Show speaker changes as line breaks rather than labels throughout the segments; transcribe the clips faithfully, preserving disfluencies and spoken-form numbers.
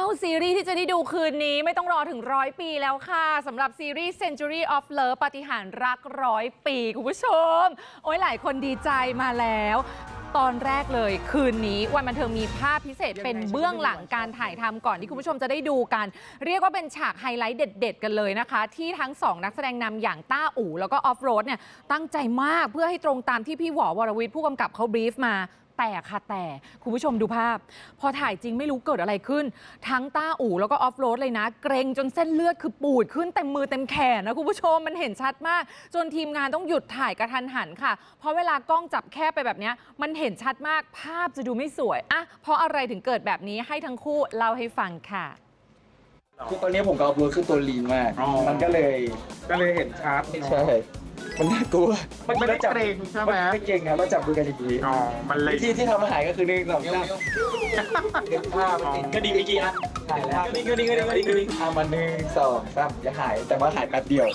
ซีรีส์ที่จะได้ดูคืนนี้ไม่ต้องรอถึงร้อยปีแล้วค่ะสำหรับซีรีส์ Century of Love ปาฏิหาริย์รักร้อยปีคุณผู้ชมโอ้ยหลายคนดีใจมาแล้วตอนแรกเลยคืนนี้วันบันเทิงมีภาพพิเศษเป็นเบื้องหลังการถ่ายทำก่อนที่คุณผู้ชมจะได้ดูกันเรียกว่าเป็นฉากไฮไลท์เด็ดๆกันเลยนะคะที่ทั้งสองนักแสดงนำอย่างต้าอู่แล้วก็ออฟโรดเนี่ยตั้งใจมากเพื่อให้ตรงตามที่พี่หวอวรวิทย์ผู้กำกับเขาบรีฟมาแต่ค่ะแต่คุณผู้ชมดูภาพพอถ่ายจริงไม่รู้เกิดอะไรขึ้นทั้งต้าอู่แล้วก็ออฟโรดเลยนะเกรงจนเส้นเลือดคือปูดขึ้นเต็มมือเต็มแขนนะคุณผู้ชมมันเห็นชัดมากจนทีมงานต้องหยุดถ่ายกระทันหันค่ะเพราะเวลากล้องจับแคบไปแบบนี้มันเห็นชัดมากภาพจะดูไม่สวยอะเพราะอะไรถึงเกิดแบบนี้ให้ทั้งคู่เล่าให้ฟังค่ะ
คือตอนนี้ผมกับออฟโรดขึ้นตัวลีนมากมันก็เลย
ก็เลยเห็นชัด
ใช่มันน่ากลัว
มันไม่ได้เกรงใช่ไหม
ไม่เกรงครับเราจับมือกันอย่างนี้
อ๋อมันเลย
ที่ที่ทำอาหารก็คือหนึ่งสองสามเก็บผ้าก็ดีเมื่อกี้อ่ะหายแล้วก็ดีก็ดีก็ดีก็ดีก็ดีอ่ะมาหนึ่งสองสามอย่าหายแต่ว่าหายแป๊บเดียว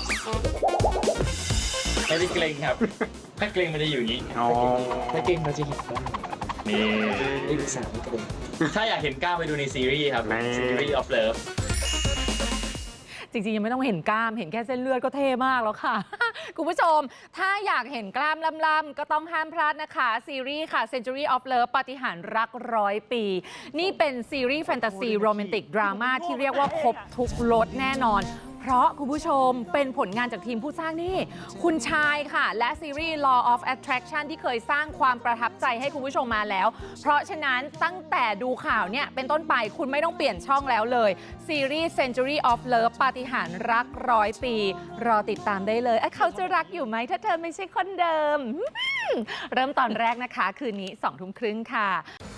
ไม่ได้เกรงครับถ้าเกรงมันจะอยู่อย่างนี้
อ๋อ
ถ้าเกรงเราจะเห็นได้
นี่
นี่คือสามเกรง
ถ้าอยากเห็นกล้ามไปดูในซีรีส์ครับ Century of Love
จริงๆยังไม่ต้องเห็นกล้ามเห็นแค่เส้นเลือดก็เท่มากแล้วค่ะ คุณผู้ชมถ้าอยากเห็นกล้ามล่ำๆก็ต้องห้ามพลาดนะคะซีรีส์ค่ะ Century of Love ปาฏิหาริย์รักร้อยปีนี่เป็นซีรีส์แฟนตาซีโรแมนติกดราม่าที่เรียกว่าครบทุกรสแน่นอนเพราะคุณผู้ชมเป็นผลงานจากทีมผู้สร้างนี่คุณชายค่ะและซีรีส์ Law of Attraction ที่เคยสร้างความประทับใจให้คุณผู้ชมมาแล้วเพราะฉะนั้นตั้งแต่ดูข่าวเนี่ยเป็นต้นไปคุณไม่ต้องเปลี่ยนช่องแล้วเลยซีรีส์ Century of Love ปาฏิหาริย์รักร้อยปีรอติดตามได้เลยเขาจะรักอยู่ไหมถ้าเธอไม่ใช่คนเดิมเริ่มตอนแรกนะคะคืนนี้สองทุ่มครึ่งค่ะ